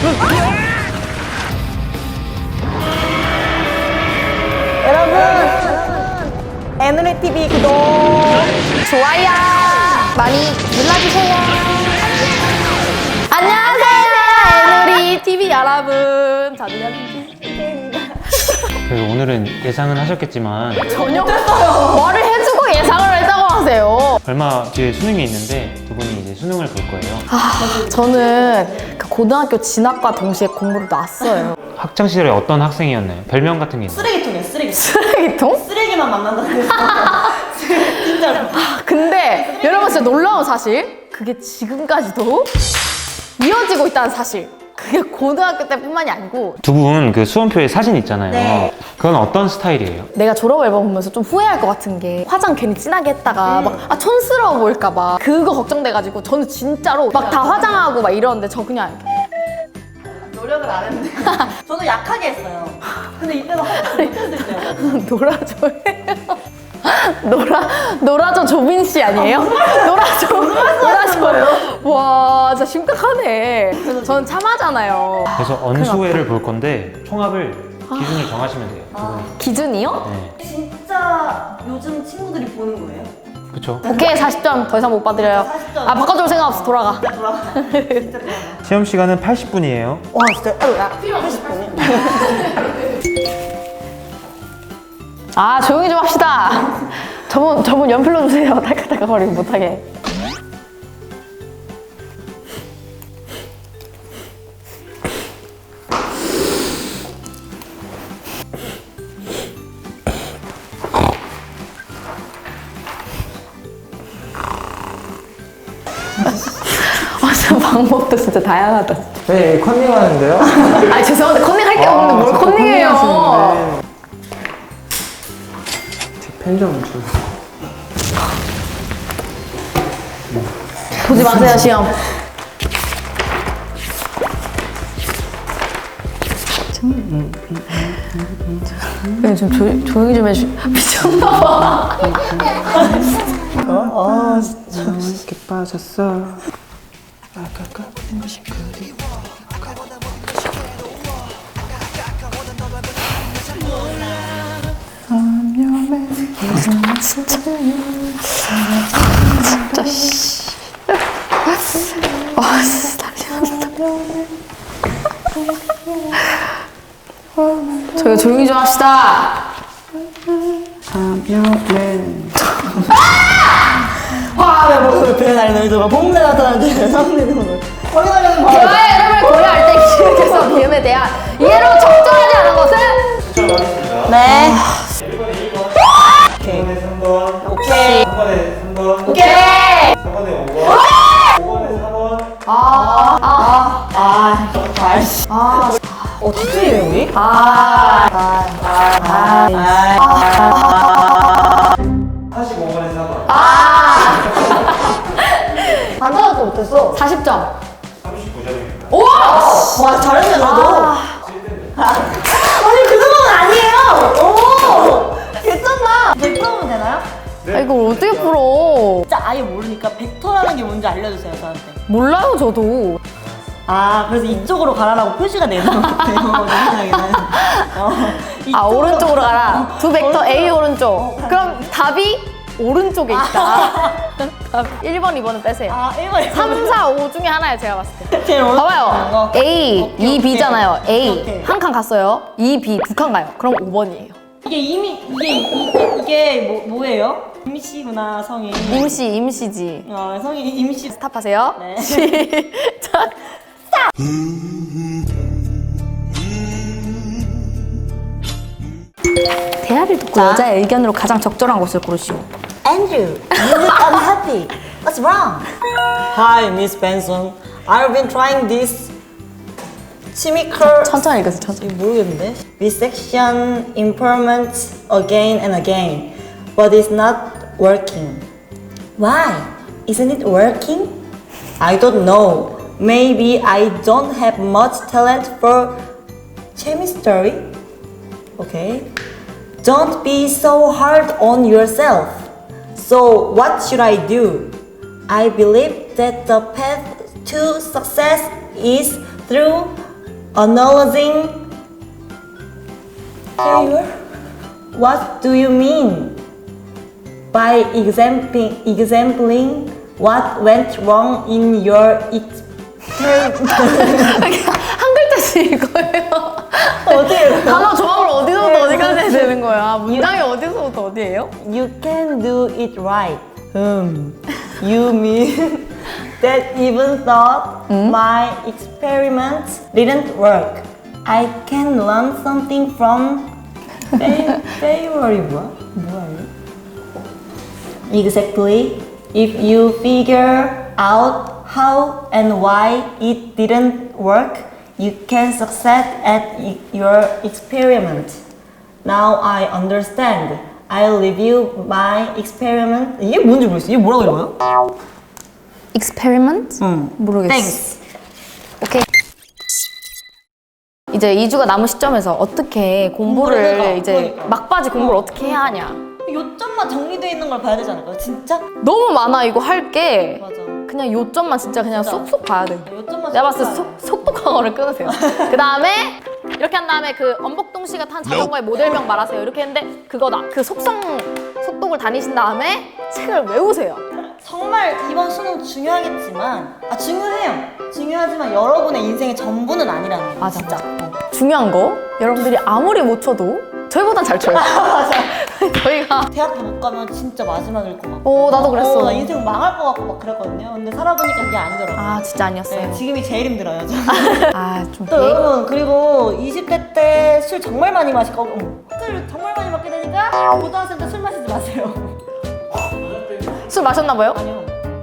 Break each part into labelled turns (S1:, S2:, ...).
S1: 여러분 애누리TV 구독
S2: 좋아요 많이 눌러주세요. 안녕하세요 애누리 TV 여러분, 저는 여빈입니다.
S3: 그래서 오늘은 예상은 하셨겠지만
S2: 전혀 말을 해주고 예상을 했다고 하세요.
S3: 얼마 뒤에 수능이 있는데 두 분이 이제 수능을 볼 거예요.
S2: 저는 그 고등학교 진학과 동시에 공부를 놨어요.
S3: 학창 시절에 어떤 학생이었나요? 별명 같은 게 있나요?
S1: 쓰레기통이야 쓰레기통.
S2: 쓰레기통?
S1: 쓰레기만 만난다고 했어. 진짜로.
S2: 근데 여러분 진짜 놀라운 사실, 그게 지금까지도 이어지고 있다는 사실. 그게 고등학교 때뿐만이 아니고,
S3: 두 분 그 수험표에 사진 있잖아요.
S1: 네.
S3: 그건 어떤 스타일이에요?
S2: 내가 졸업 앨범 보면서 좀 후회할 것 같은 게, 화장 괜히 진하게 했다가 막 촌스러워 보일까 봐 그거 걱정돼가지고 저는 진짜로 막 다 화장하고 막 이러는데 저 그냥
S1: 노력을 안 했는데. 저도 약하게 했어요. 근데 이때도 못했을 때요.
S2: 놀아줘요. 놀아줘 조빈 씨 아니에요? 놀아줘요. 와 진짜 심각하네. 저는 참하잖아요.
S3: 그래서 언수회를 볼 건데 총합을 기준을 정하시면 돼요. 두 분이.
S2: 기준이요?
S3: 네.
S1: 진짜 요즘 친구들이 보는 거예요?
S3: 그쵸?
S2: 오케이 40점 더 이상 못 받으려요.
S1: 40점.
S2: 아 바꿔줄 생각 없어. 돌아가.
S1: 돌아가. 진짜 돌아가.
S3: 시험 시간은 80분이에요.
S1: 와 진짜 야 80분이.
S2: 아 조용히 좀 합시다. 저분 연필로 주세요. 딸깍딸깍거리고 못하게. 진짜 방법도 진짜 다양하다.
S4: 네, 컨닝 하는데요?
S2: 아 죄송한데 컨닝할 게 없는데 뭘
S4: 자꾸
S2: 컨닝해요.
S4: 컨닝하시는데. 펜 좀 주세요.
S2: 보지 마세요 시험. 네, 좀 조용히 좀 해주. 미쳤나봐.
S4: 이렇게 빠졌어.
S2: 진짜 씨. 와 진짜 저희 조용히 좀 합시다.
S4: 하면은
S1: 와, 뭐 배에 날리는 거, 봉내 나타나는데 상대는 거. 확인하려는 거.
S2: 대화의 흐름을 고려할 때 기획해서 비음에 대한 이해로 적절하지 않은 것은? 네.
S1: 오케이.
S4: 3번,
S1: 오케이.
S4: 3번에 3번,
S2: 오케이.
S4: 4번에 5번, 5번에 4번.
S1: 아이씨. 어떻게 해요, 우리?
S2: 아.
S4: 45번에 4번.
S1: 반사도 못했어.
S2: 40점.
S4: 39점입니다.
S1: 와, 잘했네, 너도. 아니, 그 정도는 아니에요. 오! 괜찮나? 100점은 되나요?
S2: 아, 이걸 어떻게 풀어?
S1: 진짜 아예 모르니까 벡터라는 게 뭔지 알려주세요, 저한테.
S2: 몰라요, 저도.
S1: 아, 그래서 이쪽으로 가라라고 표시가 되는 것 같아요, 내 생각에는.
S2: 아, 오른쪽으로 가라. 두 벡터 A 오른쪽. 그럼 답이 오른쪽에 있다. 답 1번, 2번은 빼세요.
S1: 아, 1번.
S2: 3, 4, 5 중에 하나예요, 제가 봤을 때.
S1: 제일 오른쪽
S2: 봐봐요. A,
S1: 오케이,
S2: 2, B잖아요. A.
S1: 오케이.
S2: 한 칸 갔어요. 2, B 두 칸 가요. 그럼 5번이에요.
S1: 이게 뭐예요? 임시구나, 성이.
S2: 임시지.
S1: 성이 임시.
S2: 스탑하세요.
S1: 네.
S2: 시작. 대화를 듣고 여자의 의견으로 가장 적절한 것을 고르시오.
S1: Andrew, you look unhappy. What's wrong? Hi, Miss Benson. I've been trying this chemical.
S2: 천천히 읽으세요, 천천히.
S1: 모르겠는데. Resection improvement again and again, but it's not working. Why? Isn't it working? I don't know. Maybe I don't have much talent for chemistry. Okay. Don't be so hard on yourself. So what should I do? I believe that the path to success is through acknowledging failure? What do you mean? By exempling what went wrong in your
S2: 한 글자씩 읽어요.
S1: 어디에요?
S2: 단어 조합을 어디서부터 어디까지 해야 되는 거야? 문장이 어디서부터 어디예요?
S1: You can do it right. You mean that even thought my experiments didn't work. I can learn something from failure. 뭐야 이거? Exactly. If you figure out how and why it didn't work, you can succeed at your experiment. Now I understand. I'll review my experiment. 이게 뭔지 모르겠어. 이게 뭐라고 읽어요?
S2: experiment? 모르겠어.
S1: Thanks.
S2: 오케이. 이제 2주가 남은 시점에서 어떻게 공부를
S1: 공부를 해가.
S2: 이제
S1: 그러니까.
S2: 막바지 공부를 어떻게 해야 하냐.
S1: 요점만 정리되어 있는 걸 봐야 되지 않을까요? 진짜?
S2: 너무 많아 이거 할 게.
S1: 맞아.
S2: 그냥 요점만 진짜 그냥
S1: 진짜.
S2: 쏙쏙 봐야 돼.
S1: 요점만
S2: 내가 봤을 때
S1: 쏙 봐야
S2: 속도 강어를 끊으세요. 그 다음에 이렇게 한 다음에 그 엄복동 씨가 탄 자전거의 모델명 말하세요. 이렇게 했는데 그거다. 그 속독을 다니신 다음에 책을 외우세요.
S1: 정말 이번 수능 중요하겠지만 중요해요. 중요하지만 여러분의 인생의 전부는 아니라는 거예요.
S2: 맞아,
S1: 진짜.
S2: 중요한 거 여러분들이 아무리 못 쳐도 저희보단 잘 쳐요.
S1: 맞아.
S2: 저희가
S1: 대학교 못 가면 진짜 마지막일 것 같고.
S2: 나도 그랬어.
S1: 나 인생 망할 것 같고 막 그랬거든요. 근데 살아보니까 그게 아니더라고요.
S2: 아 진짜 아니었어요.
S1: 네, 지금이 제일 힘들어요. 저는.
S2: 아좀
S1: 또 여러분 그리고 20대 때 술 정말 많이 마실 거고 술 정말 많이 먹게 되니까 고등학생 때 술 마시지 마세요.
S2: 술 마셨나 봐요?
S1: 아니요.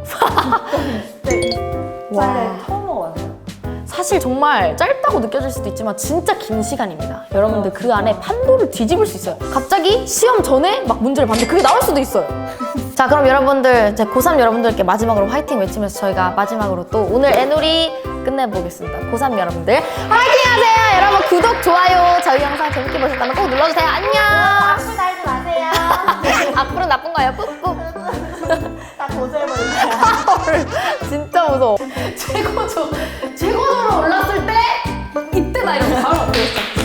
S1: 진짜
S2: 와.
S1: 처음 먹어봤어요.
S2: 사실 정말 짧다고 느껴질 수도 있지만 진짜 긴 시간입니다. 여러분들 그 안에 판도를 뒤집을 수 있어요. 갑자기 시험 전에 막 문제를 봤는데 그게 나올 수도 있어요. 자 그럼 여러분들 이제 고3 여러분들께 마지막으로 화이팅 외치면서 저희가 마지막으로 또 오늘 애놀이 끝내보겠습니다. 고3 여러분들 화이팅 하세요. 여러분 구독, 좋아요 저희 영상 재밌게 보셨다면 꼭 눌러주세요. 안녕.
S1: 악플 달지 마세요.
S2: 악플은 나쁜 거예요. 꾹꾹.
S1: 다 고소해버릴게요.
S2: 진짜 무서워. 최고조 최고조로 올랐을 때 이때 나 이러고 바로 엎드렸어.